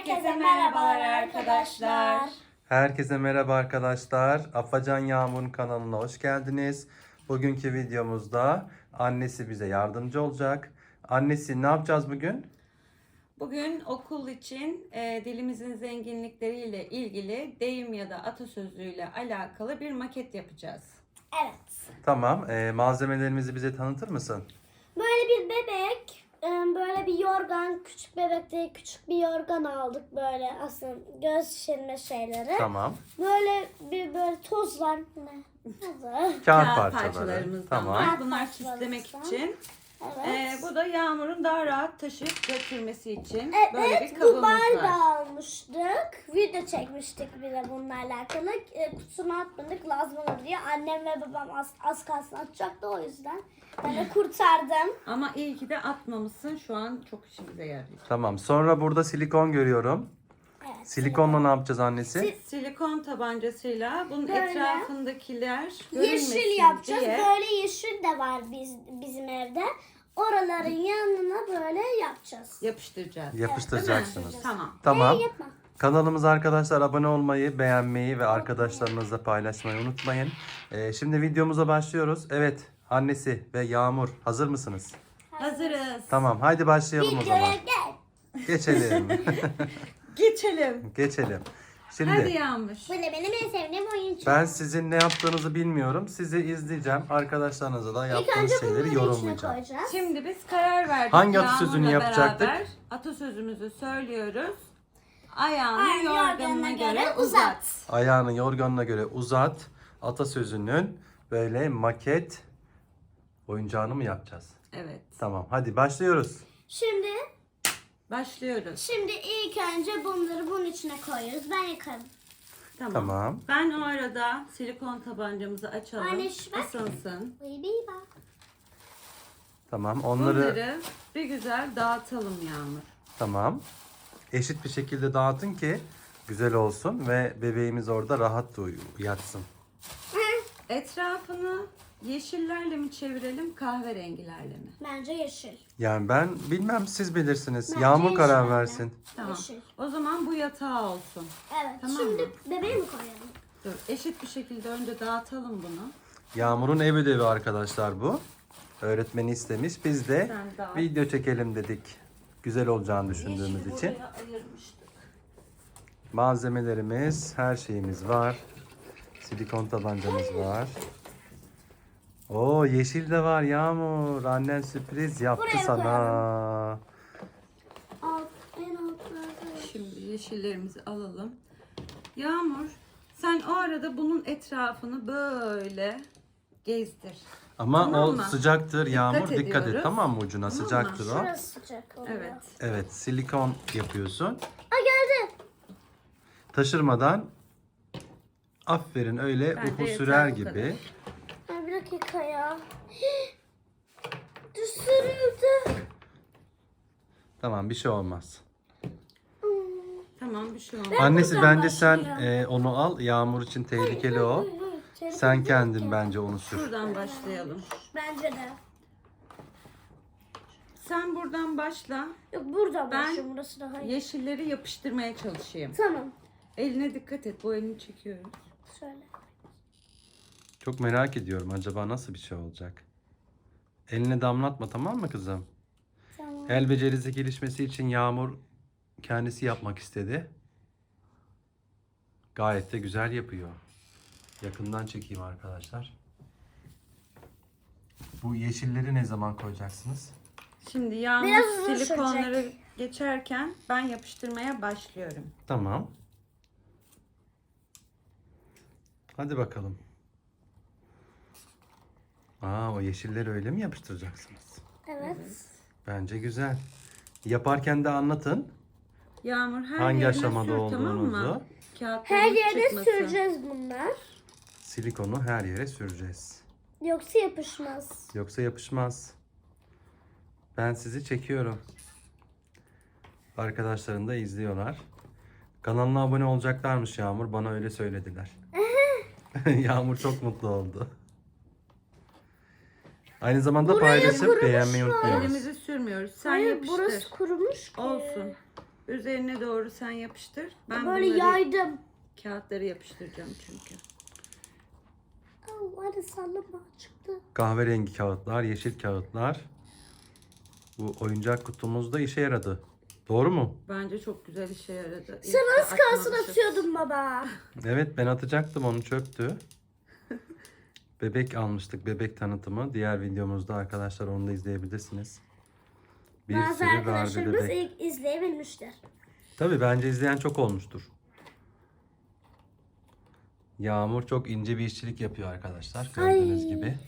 Herkese merhabalar arkadaşlar. Herkese merhaba arkadaşlar. Afacan Yağmur'un kanalına hoş geldiniz. Bugünkü videomuzda annesi bize yardımcı olacak. Annesi ne yapacağız bugün? Bugün okul için dilimizin zenginlikleriyle ilgili deyim ya da atasözüyle alakalı bir maket yapacağız. Evet. Tamam. Malzemelerimizi bize tanıtır mısın? Böyle bir bebek, böyle bir yorgan, küçük bebek değil, küçük bir yorgan aldık böyle aslında göz şişirme şeyleri. Tamam. Böyle tozlar ne? Tozu. Kağıt parçaları. parçalarımızdan Tamam. var. Bunlar Kağıt süslemek parçalarımızdan. için. Evet. Bu da Yağmur'un daha rahat taşıyıp götürmesi için böyle bir Evet, kabımız Dubai da var. almıştık. Video çekmiştik bir de bununla alakalı. Kutusuna atmadık, lazım olur diye. Annem ve babam az kalsın atacaktı, o yüzden. Ben de kurtardım. Ama iyi ki de atmamışsın. Şu an çok işimize yarayacak. Tamam. Sonra burada silikon görüyorum. Evet. Silikonla ne yapacağız annesi? Silikon tabancasıyla bunun Böyle. etrafındakiler görünmesin Yeşil yapacağız. diye. Böyle yeşil de var bizim evde. Oraların yanına böyle yapacağız. Yapıştıracağız. Yapıştıracaksınız. Tamam. Tamam. Yapma. Kanalımıza arkadaşlar abone olmayı, beğenmeyi ve arkadaşlarınızla paylaşmayı unutmayın. Şimdi videomuza başlıyoruz. Evet, annesi ve Yağmur hazır mısınız? Hazırız. Tamam, haydi başlayalım o zaman. Videoya gel. Geçelim. Geçelim. Geçelim. Hadi Şimdi Yağmur. Bu da benim en sevdiğim oyuncu. ben sizin ne yaptığınızı bilmiyorum. Sizi izleyeceğim. Arkadaşlarınıza da İlk yaptığınız önce şeyleri bunları içine yorumlayacağım. koyacağız. Şimdi biz karar verdik. Hangi atasözünü Yağmur'la yapacaktık? beraber atasözümüzü söylüyoruz. Ayağını Ayağını yorganına göre uzat. Ayağını yorganına göre uzat. Atasözünün böyle maket oyuncağını mı yapacağız? Evet. Tamam, hadi başlıyoruz. Şimdi Başlıyoruz. ilk önce bunları bunun içine koyuyoruz. Ben yıkarım. Tamam. Ben o arada silikon tabancamızı açalım. Anne, şu bak. Isınsın. Baby bak. Tamam, Bunları bir güzel dağıtalım Yağmur. tamam. Eşit bir şekilde dağıtın ki güzel olsun ve bebeğimiz orada rahat da yatsın. Etrafını yeşillerle mi çevirelim, kahverengilerle mi? Bence yeşil. Yani ben bilmem, siz bilirsiniz. Bence Yağmur karar yeşil. versin. Tamam. Yeşil. O zaman bu yatağı olsun. Evet. Tamam Şimdi mı? bebeği mi koyalım? Dur, eşit bir şekilde önce dağıtalım bunu. Yağmur'un ev ödevi arkadaşlar bu. Öğretmeni istemiş. Biz de Sen dağıt. video çekelim dedik. Güzel olacağını düşündüğümüz Yeşili için. buraya ayırmıştık. Malzemelerimiz, her şeyimiz var. Silikon tabancamız var. Oo, yeşil de var Yağmur. Annen sürpriz yaptı Buraya sana. En altlarda. Şimdi yeşillerimizi alalım. Yağmur, sen o arada bunun etrafını böyle gezdir. Ama Tamam o mı? sıcaktır Yağmur. Dikkat et, ediyoruz. tamam mı ucuna? Tamam mı? Sıcaktır o. Şurası sıcak oluyor. Evet. Evet, silikon yapıyorsun. Aa, geldi. Taşırmadan aferin, öyle Bence uhu yeter sürer bu gibi. kadar. Ay, bir dakika ya. Düşürüldü. Tamam, bir şey olmaz. Tamam, bir şey olmaz. Annesi buradan bence sen başlayayım. onu al. Yağmur için tehlikeli o. Telefon Sen yok kendin ki. bence onu sür. Şuradan başlayalım. Bence de. Sen buradan başla. Yok, burada Ben- başlıyorum. Burası daha iyi. Yeşilleri yapıştırmaya çalışayım. Tamam. Eline dikkat et. Bu elini çekiyoruz. Şöyle. Çok merak ediyorum, acaba nasıl bir şey olacak? Eline damlatma, tamam mı kızım? Tamam. El becerisi gelişmesi için Yağmur kendisi yapmak istedi. Gayet de güzel yapıyor. Yakından çekeyim arkadaşlar. Bu yeşilleri ne zaman koyacaksınız? Şimdi Yağmur Biraz uzun silikonları sürecek. geçerken ben yapıştırmaya başlıyorum. Tamam. Hadi bakalım. O yeşilleri öyle mi yapıştıracaksınız? Evet. Bence güzel. Yaparken de anlatın. Yağmur her Hangi yerine aşamada sür, tamam mı? olduğunuzu. Kağıtlarımız Her yere çıkmasın. süreceğiz bunlar. Silikonu her yere süreceğiz. Yoksa yapışmaz. Yoksa yapışmaz. Ben sizi çekiyorum. Arkadaşlarım da izliyorlar. Kanalına abone olacaklarmış Yağmur. Bana öyle söylediler. Yağmur çok mutlu oldu. Aynı zamanda Buraya paylaşıp kurumuş beğenmeyi var. unutmayınız. Elimizi sürmüyoruz. Sen Hayır, yapıştır. burası kurumuş ki. Olsun. Üzerine doğru sen yapıştır. Ben Böyle bunları yaydım. kağıtları yapıştıracağım çünkü. Hadi sallama çıktı. Kahverengi kağıtlar, yeşil kağıtlar. Bu oyuncak kutumuzda işe yaradı. Doğru mu? Bence çok güzel işe yaradı. İyi Sen ki az kalsın atmamışız. atıyordun baba. Evet, ben atacaktım, onu çöktü. Bebek almıştık, bebek tanıtımı. Diğer videomuzda arkadaşlar, onu da izleyebilirsiniz. Bir Bazı sürü Barbie arkadaşlarımız bebek. ilk izleyebilmişler. Tabii bence izleyen çok olmuştur. Yağmur çok ince bir işçilik yapıyor arkadaşlar. Gördüğünüz Ay. gibi.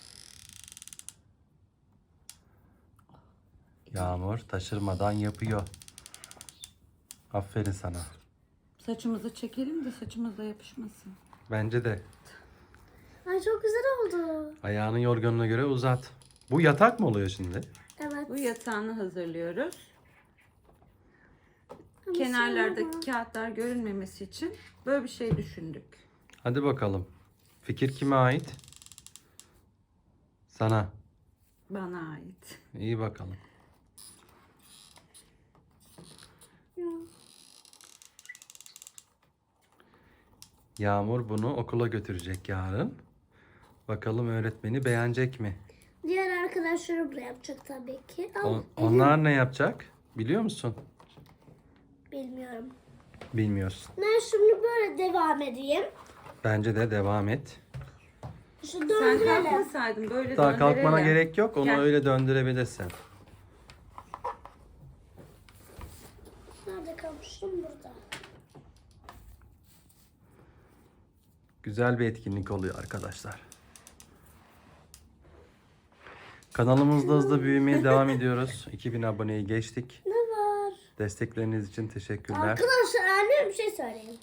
Yağmur taşırmadan yapıyor. Aferin sana. Saçımızı çekelim de saçımıza yapışmasın. Bence de. Ay çok güzel oldu. Ayağının yorganına göre uzat. Bu yatak mı oluyor şimdi? Evet. Bu yatağını hazırlıyoruz. Ama Kenarlardaki kağıtlar görünmemesi için böyle bir şey düşündük. Hadi bakalım. Fikir kime ait? Sana. Bana ait. İyi bakalım. Yağmur bunu okula götürecek yarın. Bakalım öğretmeni beğenecek mi? Diğer arkadaşlarım da yapacak tabii ki. Ama Onlar ne yapacak? Biliyor musun? bilmiyorum. Bilmiyorsun. Ben şimdi böyle devam edeyim. Bence de devam et. Şu Sen döndürelim. kalkmasaydın böyle Daha kalkmana döndürelim. gerek yok. Onu Gel. öyle döndürebilirsin. Nerede kalmıştım? Burada. Güzel bir etkinlik oluyor arkadaşlar. Kanalımızda hızlı büyümeye devam ediyoruz. 2000 aboneyi geçtik. Ne var? Destekleriniz için teşekkürler. Arkadaşlar anneme bir şey söyleyeyim.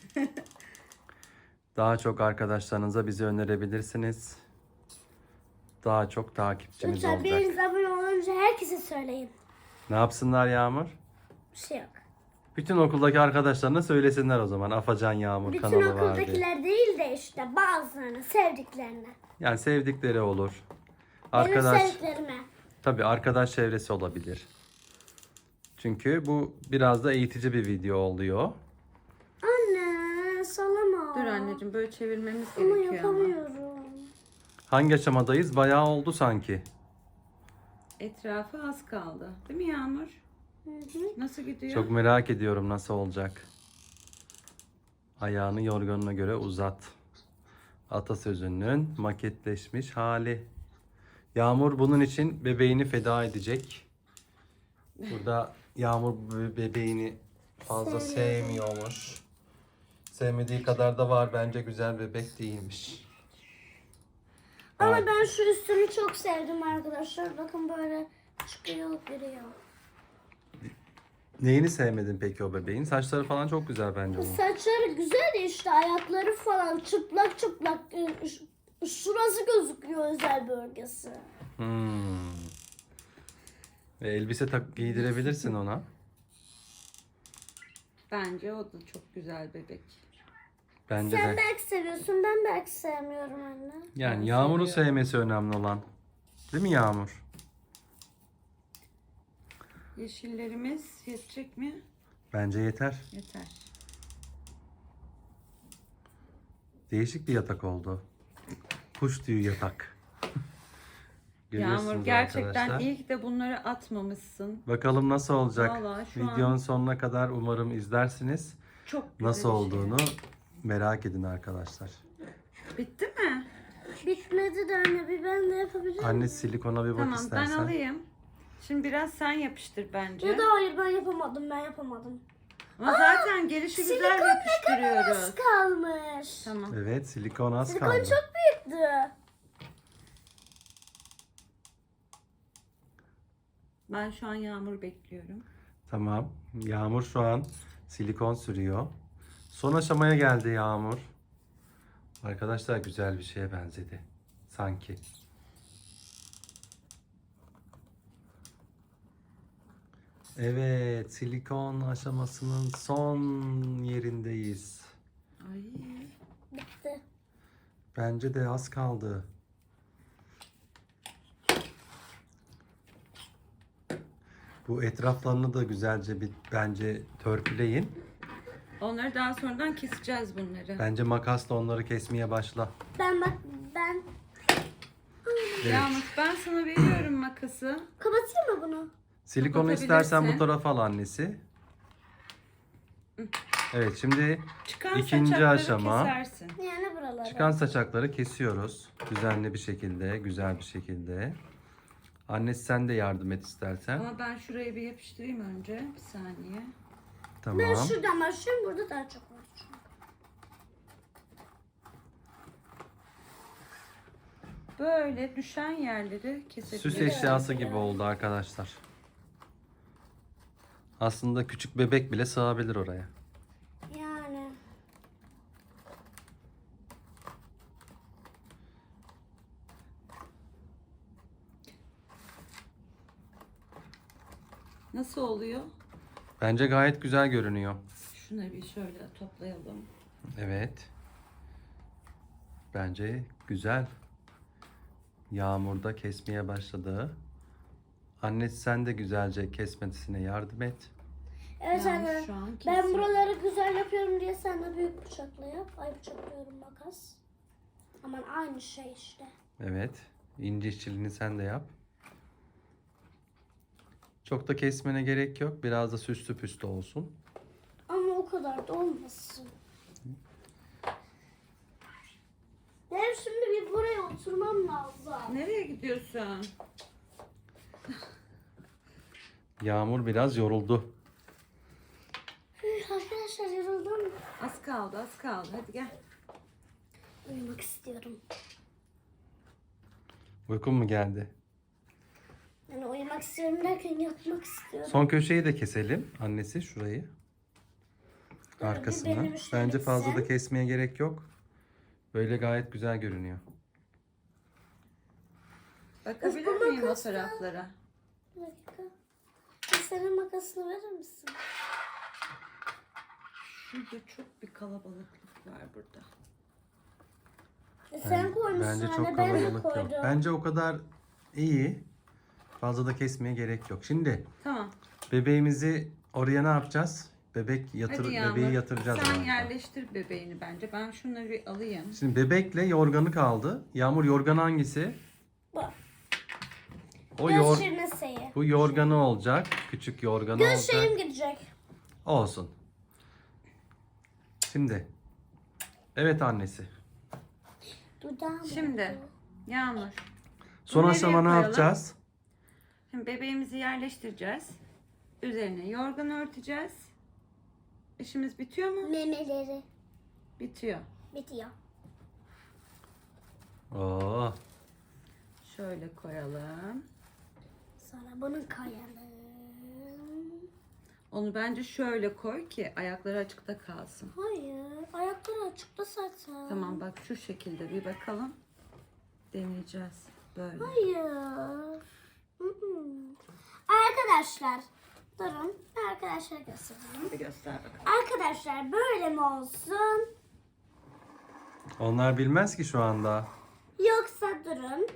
Daha çok arkadaşlarınıza bizi önerebilirsiniz. Daha çok takipçimiz Lütfen olacak. biriniz abone olunca herkese söyleyin. Ne yapsınlar Yağmur? Bir şey yok. Bütün okuldaki arkadaşlarına söylesinler o zaman. Afacan Yağmur Bütün kanalı var diye. okuldakiler değil de işte bazılarını, sevdiklerini. Yani sevdikleri olur. Benim Arkadaş, sevdiklerime. tabii arkadaş çevresi olabilir. Çünkü bu biraz da eğitici bir video oluyor. Anne sallama. Dur anneciğim böyle çevirmemiz Ama gerekiyor ama. yapamıyorum. Hangi aşamadayız? Bayağı oldu sanki. Etrafı az kaldı. Değil mi Yağmur? Hı hı. Nasıl gidiyor? Çok merak ediyorum nasıl olacak. Ayağını yorganına göre uzat. Atasözünün maketleşmiş hali. Yağmur bunun için bebeğini feda edecek. Burada Yağmur bebeğini fazla sevmiyormuş. Sevmediği kadar da var. Bence güzel bebek değilmiş. Ama ben şu üstünü çok sevdim arkadaşlar. Bakın böyle çıkıyor giriyor. Neyini sevmedin peki o bebeğin? Saçları falan çok güzel bence onun. Saçları güzel de işte ayakları falan çıplak çıplak. Şurası gözüküyor özel bölgesi. Hmm. Ve elbise giydirebilirsin ona. Bence o da çok güzel bebek. Bence Sen de. belki seviyorsun ben belki sevmiyorum anne. Yani Ben Yağmur'u seviyorum. sevmesi önemli olan. Değil mi Yağmur? Yeşillerimiz yetecek mi? Bence yeter. Yeter. Değişik bir yatak oldu. Kuş tüyü yatak. Görüyorsunuz Yağmur gerçekten arkadaşlar. iyi ki de bunları atmamışsın. Bakalım nasıl olacak. Vallahi şu Videonun an sonuna kadar umarım izlersiniz. çok güzel Nasıl bir şey. olduğunu merak edin arkadaşlar. Bitti mi? Bitmedi de anne bir ben de yapabilir miyim? Anne silikona bir bak Tamam istersen. ben alayım. Şimdi biraz sen yapıştır bence. Ya da hayır ben yapamadım ben yapamadım. Ama zaten gelişi güzel yapıştırıyoruz. Az kalmış. Tamam. Evet, silikon az Silikon kaldı. çok büyüktü. Ben şu an Yağmur bekliyorum. Tamam. Yağmur şu an silikon sürüyor. Son aşamaya geldi Yağmur. Arkadaşlar güzel bir şeye benzedi. Sanki. Evet, silikon aşamasının son yerindeyiz. Ay. Bitti. Bence de az kaldı. Bu etraflarını da güzelce bir bence törpüleyin. Onları daha sonradan keseceğiz bunları. Bence makasla onları kesmeye başla. Ben Evet. Yağmur, ben sana veriyorum makası. kapatayım mı bunu? Silikonu istersen bu Kapatabilirsin. tarafa al annesi. Evet, şimdi Çıkan İkinci saçakları aşama. kesersin. Yani buraları. çıkan saçakları kesiyoruz. Düzenli bir şekilde, güzel bir şekilde. Annesi sen de yardım et istersen. Ama ben şurayı bir yapıştırayım önce. Bir saniye. Tamam. Ben şuradan başlıyorum. Burada daha çok var. Böyle düşen yerleri Süs kesebiliriz. eşyası gibi oldu arkadaşlar. Aslında küçük bebek bile sığabilir oraya. Yani. Nasıl oluyor? Bence gayet güzel görünüyor. Şunları bir şöyle toplayalım. Evet. Bence güzel. Yağmurda kesmeye başladı. Annesi sen de güzelce kesmesine yardım et. Evet Yağmur anne. şu an Ben kesiyor. buraları güzel yapıyorum diye sen de büyük bıçakla yap. Ay bıçaklıyorum makas. Aman aynı şey işte. Evet. İnce işçiliğini sen de yap. Çok da kesmene gerek yok. Biraz da süslü püslü olsun. Ama o kadar da olmasın. Benim şimdi bir buraya oturmam lazım. Nereye gidiyorsun? Yağmur biraz yoruldu. Arkadaşlar yoruldum. Az kaldı, az kaldı. Hadi gel. Uyumak istiyorum. Uykun mu geldi? Yani uyumak istiyorum derken yatmak istiyorum. Son köşeyi de keselim. Annesi şurayı. Böyle Arkasını. benim şöyle Bence fazla da sen. kesmeye gerek yok. Böyle gayet güzel görünüyor. Bakabilir Bu miyim o makasla- taraflara? Bir dakika. Bir senin makasını verir misin? Şurada çok bir kalabalıklık var burada. Sen koymuşsun Bence anne, çok ben de kalabalık koydum. yok. Bence o kadar iyi. Fazla da kesmeye gerek yok. Şimdi Tamam. bebeğimizi oraya ne yapacağız? Bebeği Hadi Yağmur. yatıracağız. Sen oraya. yerleştir bebeğini bence. Ben şunları bir alayım. Şimdi bebekle yorganı kaldı. Yağmur, yorgan hangisi? Bu. O Göz şirneseyi. bu yorganı olacak. Küçük yorganı Göz olacak. şeyim gidecek. Olsun. Şimdi. Evet annesi. Dudağım Şimdi oldu. Yağmur. Son Nereye aşama ne koyalım? yapacağız? Şimdi bebeğimizi yerleştireceğiz. Üzerine yorgan örteceğiz. İşimiz bitiyor mu? Memeleri Bitiyor. bitiyor. Oo. Şöyle koyalım. Sonra bunu koyalım. Onu bence şöyle koy ki ayakları açıkta kalsın. Hayır. Ayakları açıkta zaten. Tamam bak şu şekilde bir bakalım. Deneyeceğiz. Böyle. Hayır. Arkadaşlar. Durun. Arkadaşlar göstereyim. Bir göster bakalım. Arkadaşlar böyle mi olsun? Onlar bilmez ki şu anda. Yoksa durun.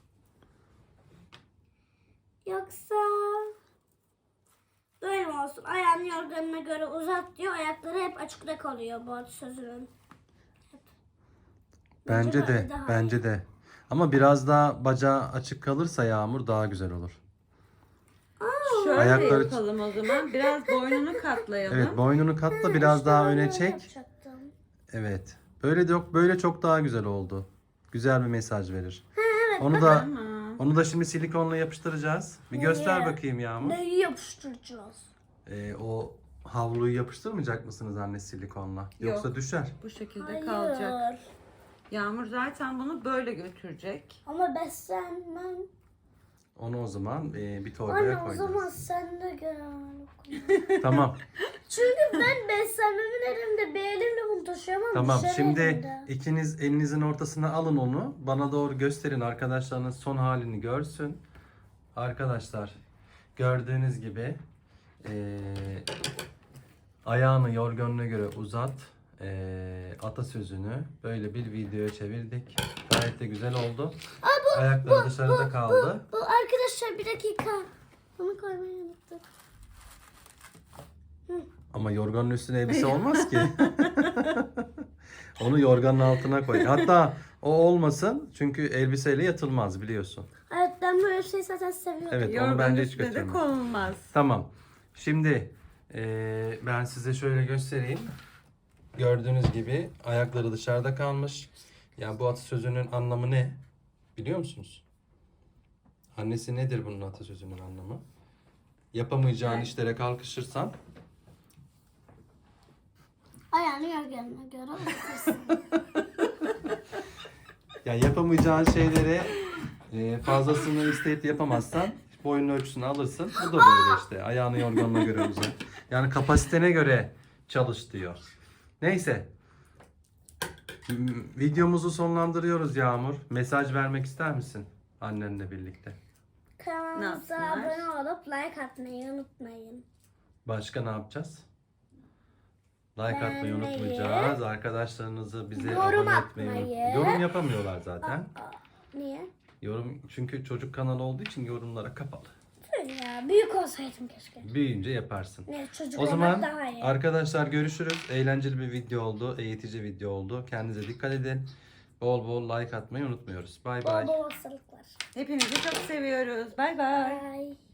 Yoksa böyle mi olsun? Ayağını yorganına göre uzat diyor. Ayakları hep açıkta kalıyor bu sözünün. Bence de. böyle daha Bence de. Ama biraz daha bacağı açık kalırsa Yağmur daha güzel olur. Şöyle Ayakları- yapalım o zaman. Biraz boynunu katlayalım. Evet, boynunu katla, biraz daha öne çek. Yapacaktım. Evet. Böyle de yok, böyle çok daha güzel oldu. Güzel bir mesaj verir. Onu da Tamam. şimdi silikonla yapıştıracağız. Bir göster Neye? bakayım Yağmur. Neyi yapıştıracağız? O havluyu yapıştırmayacak mısınız anne silikonla? Yoksa düşer. Bu şekilde Hayır. kalacak. Yağmur zaten bunu böyle götürecek. Ama beslenmem. Onu o zaman bir torbaya Anne o koyacağız. zaman sen de gel. Tamam. Çünkü ben beslenmemin elimde bir elimle bunu taşıyamam. Tamam. düşer Şimdi elimde. ikiniz elinizin ortasına alın onu. Bana doğru gösterin. Arkadaşlarınız son halini görsün. Arkadaşlar gördüğünüz gibi ayağını yorganına göre uzat. Atasözünü böyle bir videoya çevirdik. Gayet de güzel oldu. Ayakları dışarıda kaldı. Bu arkadaşlar bir dakika. Bunu koymayı unuttum. Ama yorganın üstüne elbise olmaz ki. Onu yorganın altına koy. Hatta o olmasın çünkü elbiseyle yatılmaz biliyorsun. Evet, ben böyle şey zaten seviyorum. Evet, onu Yorganın bence hiç üstüne de götürme. konulmaz. Tamam. Şimdi ben size şöyle göstereyim. Gördüğünüz gibi ayakları dışarıda kalmış. Yani bu atasözünün anlamı ne? Biliyor musunuz? Annesi nedir bunun atasözünün anlamı? Yapamayacağın Evet. işlere kalkışırsan Ayağını yorganına göre otursun. yani yapamayacağın şeylere fazlasını isteyip de yapamazsan boyunun ölçüsünü alırsın. Bu da böyle işte. Ayağını yorganına göre uzat. Yani kapasitene göre çalış diyor. Neyse. Videomuzu sonlandırıyoruz Yağmur. Mesaj vermek ister misin annenle birlikte? Kanalımıza yapsınlar? abone olup like atmayı unutmayın. Başka ne yapacağız? Like atmayı Beğenmeyi, unutmayacağız. Arkadaşlarınızı bize yorum abone etmeyi atmayı. Yorum yapamıyorlar zaten. Niye? Yorum çünkü çocuk kanalı olduğu için yorumlara kapalı. Öyle ya. Büyük olsaydım keşke. Büyüyünce yaparsın. Ne, çocuk O olmak zaman daha iyi. arkadaşlar görüşürüz. Eğlenceli bir video oldu. Eğitici video oldu. Kendinize dikkat edin. Bol bol like atmayı unutmuyoruz. Bay bay. Bol bol hastalıklar. Hepinizi çok seviyoruz. Bay bay. Bye.